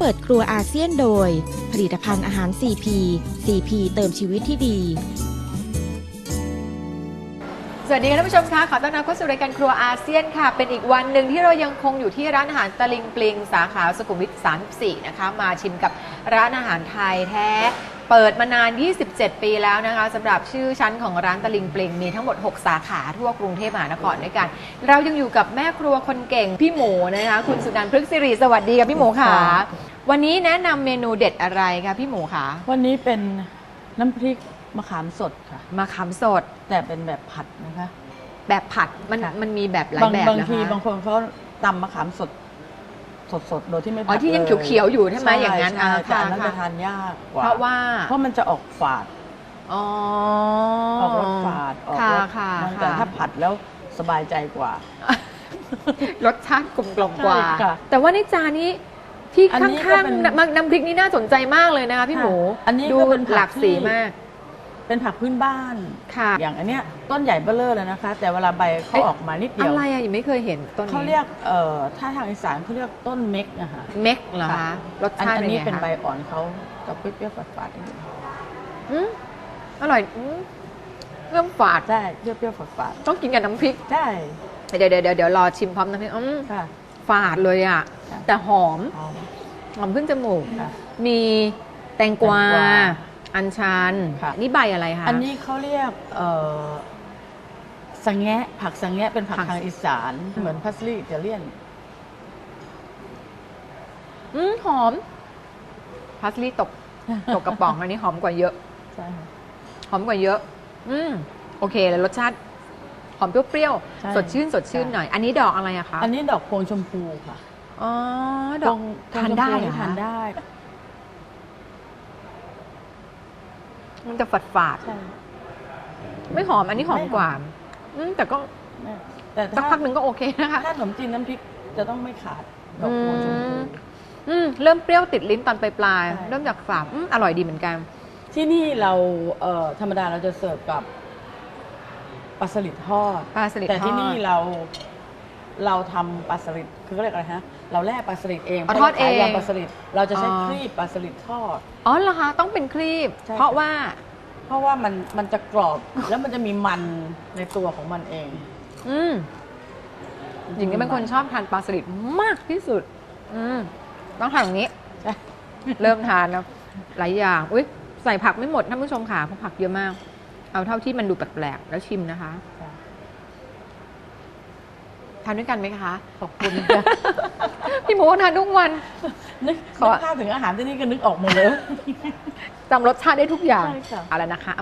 เปิดครัวอาเซียนโดยผลิตภัณฑ์อาหาร CP CP เติมชีวิตที่ดีสวัสดีค่ะท่านผู้ชมคะขอต้อนรับเข้าสู่รายการครัวอาเซียนค่ะเป็นอีกวันหนึ่งที่เรายังคงอยู่ที่ร้านอาหารตะลิงปลิงสาขาสุขุมวิท 34 นะคะมาชิมกับร้านอาหารไทยแท้เปิดมานาน 27 ปีแล้วนะคะสำหรับชื่อชั้นของร้านตะลิงปลิงมีทั้งหมด 6 สาขาทั่วกรุงเทพมหานครด้วยกันเรายังอยู่กับแม่ครัวคนเก่งพี่หมูนะคะคุณสุนันท์พฤกษ์สิริสวัสดีค่ะพี่หมูค่ะวันนี้แนะนำเมนูเด็ดอะไรคะพี่หมูคะวันนี้เป็นน้ำพริกมะขามสดค่ะมะขามสดแต่เป็นแบบผัดนะคะแบบผัดมันมีแบบหลายแบบบางทีบางคนเขาตำมะขามสดโดยที่ไม่ผัดที่ยังเขียวๆอยู่ใช่ไหมอย่างนั้นแต่อันนั้นจะทานยากกว่าเพราะมันจะออกฝาดออกรสฝาดออกรสแต่ถ้าผัดแล้วสบายใจกว่ารสชาติกลมกล่อมกว่าแต่ว่าในจานนี้ที่ข้างๆน้ำพริกนี่น่าสนใจมากเลยนะคะพี่หมูดูหลากสีมากเป็นผักพื้นบ้านอย่างอันเนี้ยต้นใหญ่เบ้อเร่อเลยนะคะแต่เวลาใบเขาออกมานิดเดียวอะไรยังไม่เคยเห็นต้นนี้เขาเรียกถ้าทางอีสานเขาเรียกต้นเม็กนะคะเม็กเหรอคะรสชาติอันนี้เป็นใบอ่อนเขาจะเปรี้ยวๆฝาดๆนิดนึงอร่อยเริ่มฝาดใช่เปรี้ยวๆฝาดต้องกินกับน้ำพริกใช่เดี๋ยวรอชิมพร้อมน้ำพริกฝาดเลยอ่ะแต่หอมขึ้นจมูกมีแตงกวาอัญชันนี่ใบอะไรคะอันนี้เขาเรียกสังแงะผักสังแงะเป็นผักทางอีสานเหมือนพาสลีย์อิตาเลียนหอมพาสลีย์ตกกระป๋องอันนี้หอมกว่าเยอะใช่หอมกว่าเยอะโอเคแล้วรสชาติหอมเปรี้ยวๆสดชื่นหน่อยอันนี้ดอกอะไรอะคะอันนี้ดอกพวงชมพูค่ะอ๋อดอกทานได้ทานได้มันจะฝาดไม่หอมอันนี้หอมกว่าแต่ก็สักพักหนึ่งก็โอเคนะคะถ้าขนมจีนน้ำพริกจะต้องไม่ขาดดอกโพชมพูเริ่มเปรี้ยวติดลิ้นตอนปลายเริ่มจากฝาดอร่อยดีเหมือนกันที่นี่เราธรรมดาเราจะเสิร์ฟกับปลาสลิดทอดแต่ที่นี่เราทำปลาสลิดคือเขาเรียกอะไรฮะเราแล่ปลาสลิดเองทอดเองปลาสลิดเราจะใช้ครีบปลาสลิดทอดอ๋อเหรอคะต้องเป็นครีบเพราะว่ามันจะกรอบแล้วมันจะมีมันในตัวของมันเองหญิงนี่เป็นคนชอบทานปลาสลิดมากที่สุดต้องทานอย่างนี้เริ่มทานแล้วหลายอย่างอุ้ยใส่ผักไม่หมดท่านผู้ชมค่ะเพราะผักเยอะมากเอาเท่าที่มันดูแปลกๆแล้วชิมนะคะทานด้วยกันไหมคะขอบคุณพี่หมูทานทุกวันนึกภาพถึงอาหารที่นี่ก็นึกออกหมดเลยจำรสชาติได้ทุกอย่างเอาละนะคะ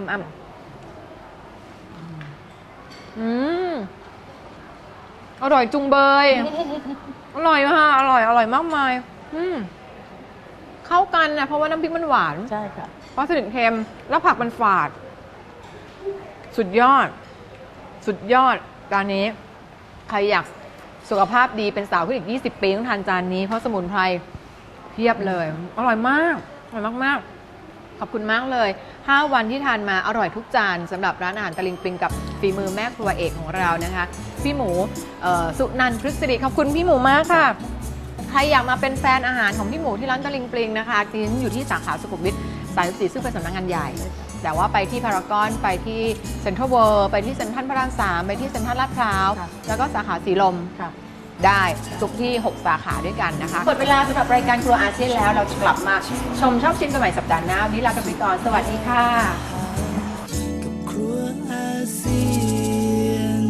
อร่อยจุงเบยอร่อยค่ะอร่อยมากมายเข้ากันนะเพราะว่าน้ำพริกมันหวานใช่ค่ะเพราะสลิดเค็มแล้วผักมันฝาดสุดยอดจานนี้ใครอยากสุขภาพดีเป็นสาวขึ้นอีก20 ปีต้องทานจานนี้เพราะสมุนไพรเพียบเลยอร่อยมากขอบคุณมากเลย5 วันที่ทานมาอร่อยทุกจานสำหรับร้านอาหารตะลิงปลิงกับฝีมือแม่ครัวเอกของเรานะคะพี่หมูสุนันท์พฤกษ์สิริขอบคุณพี่หมูมากค่ะใครอยากมาเป็นแฟนอาหารของพี่หมูที่ร้านตะลิงปลิงนะคะที่อยู่ที่สาขาสุขุมวิท 34ซึ่งเป็นสำนักงานใหญ่แต่ว่าไปที่พารากอนไปที่เซ็นทรัลเวิลด์ไปที่เซ็นทรัลพระราม 3ไปที่เซ็นทรัลลาดพร้าวแล้วก็สาขาสีลมได้ทุกที่6 สาขาด้วยกันนะคะหมดเวลาสำหรับรายการครัวอาเซียนแล้วเราจะกลับมาชมชอบชิมกันใหม่สัปดาห์หน้าวันนี้ลากันไปก่อนสวัสดีค่ะกับครัวอาเซียน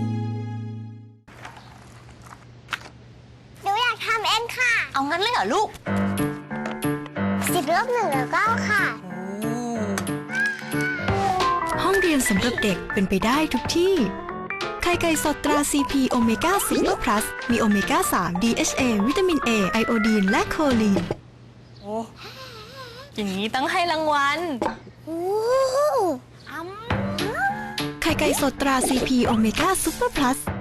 หนูอยากทำเองค่ะเอางั้นเลยเหรอลูก10 ลบ 1 แล้วก็ค่ะห้องเรียนสำหรับเด็กเป็นไปได้ทุกที่ไข่ไก่สดตรา CP โอเมก้าSuper Plus มีโอเมก้า 3 DHA วิตามิน A ไอโอดีนและโคลีนโอ้อย่างนี้ต้องให้รางวัลไข่ไก่สดตรา CP โอเมก้า Super Plus